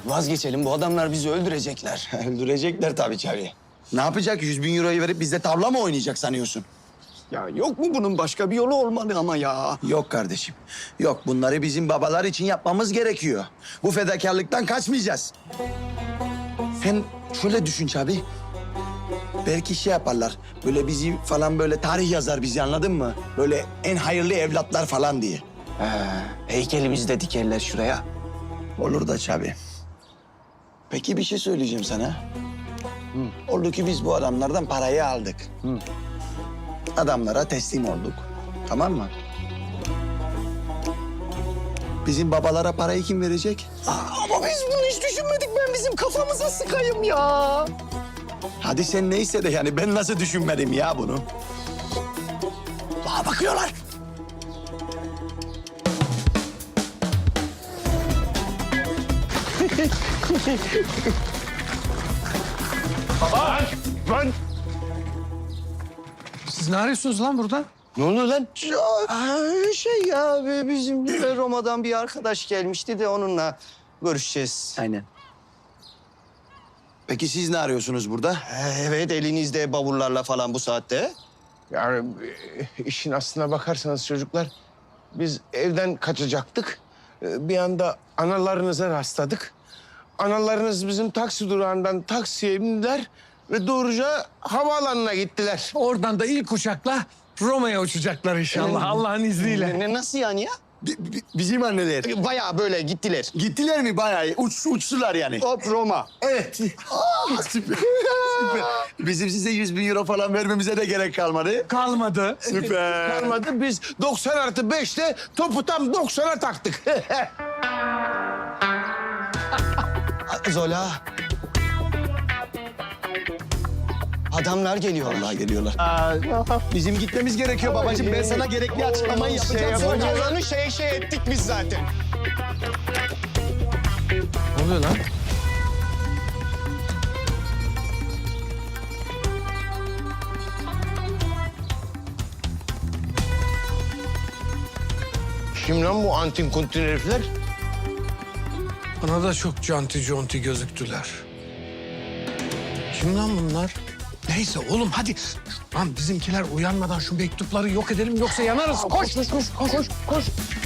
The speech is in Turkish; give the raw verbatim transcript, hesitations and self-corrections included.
vazgeçelim. Bu adamlar bizi öldürecekler. Öldürecekler tabii Çavi. Ne yapacak? Yüz bin euroyu verip bizde tavla mı oynayacak sanıyorsun? Ya yok mu bunun başka bir yolu olmalı ama ya? Yok kardeşim. Yok, bunları bizim babalar için yapmamız gerekiyor. Bu fedakarlıktan kaçmayacağız. Sen şöyle düşün Çavi. Belki şey yaparlar. Böyle bizi falan böyle tarih yazar bizi, anladın mı? Böyle en hayırlı evlatlar falan diye. He, heykelimizi de dikerler şuraya. Olur da Çavi. Peki bir şey söyleyeceğim sana. Hı. Oldu ki biz bu adamlardan parayı aldık. Hı. Adamlara teslim olduk. Tamam mı? Bizim babalara parayı kim verecek? Aa, ama biz bunu hiç düşünmedik. Ben bizim kafamıza sıkayım ya. Hadi sen neyse de yani ben nasıl düşünmedim ya bunu? Aa, bakıyorlar. Lan! Siz ne arıyorsunuz lan burada? Ne oluyor lan? Aa, şey ya bizim Roma'dan bir arkadaş gelmişti de onunla görüşeceğiz. Aynen. Peki siz ne arıyorsunuz burada? Evet, elinizde bavullarla falan bu saatte. Yani e, işin aslına bakarsanız çocuklar, biz evden kaçacaktık. E, Bir anda analarınıza rastladık. Analarınız bizim taksi durağından taksiye bindiler ve doğruca havaalanına gittiler. Oradan da ilk uçakla Roma'ya uçacaklar inşallah Allah'ın izniyle. Ne, nasıl yani ya? Bi- bi- bizim anneler. Bayağı böyle gittiler. Gittiler mi bayağı? Uç, uçtular yani. Hop Roma. Evet. Aa, süper. Süper. Bizim size yüz bin euro falan vermemize de gerek kalmadı. Kalmadı. Süper. Kalmadı, biz doksan artı beşte topu tam doksana taktık. Zola. Adamlar geliyor. Vallahi geliyorlar. Bizim gitmemiz gerekiyor babacığım. Ben sana gerekli açıklamayı yapacağım. Şey yapacağız, şey şey ettik biz zaten. Ne oluyor lan? Kim lan bu antin kuntin herifler? Bana da çok canti conti gözüktüler. Kim lan bunlar? Neyse oğlum hadi. Lan bizimkiler uyanmadan şu mektupları yok edelim yoksa yanarız. Koş koş koş koş koş.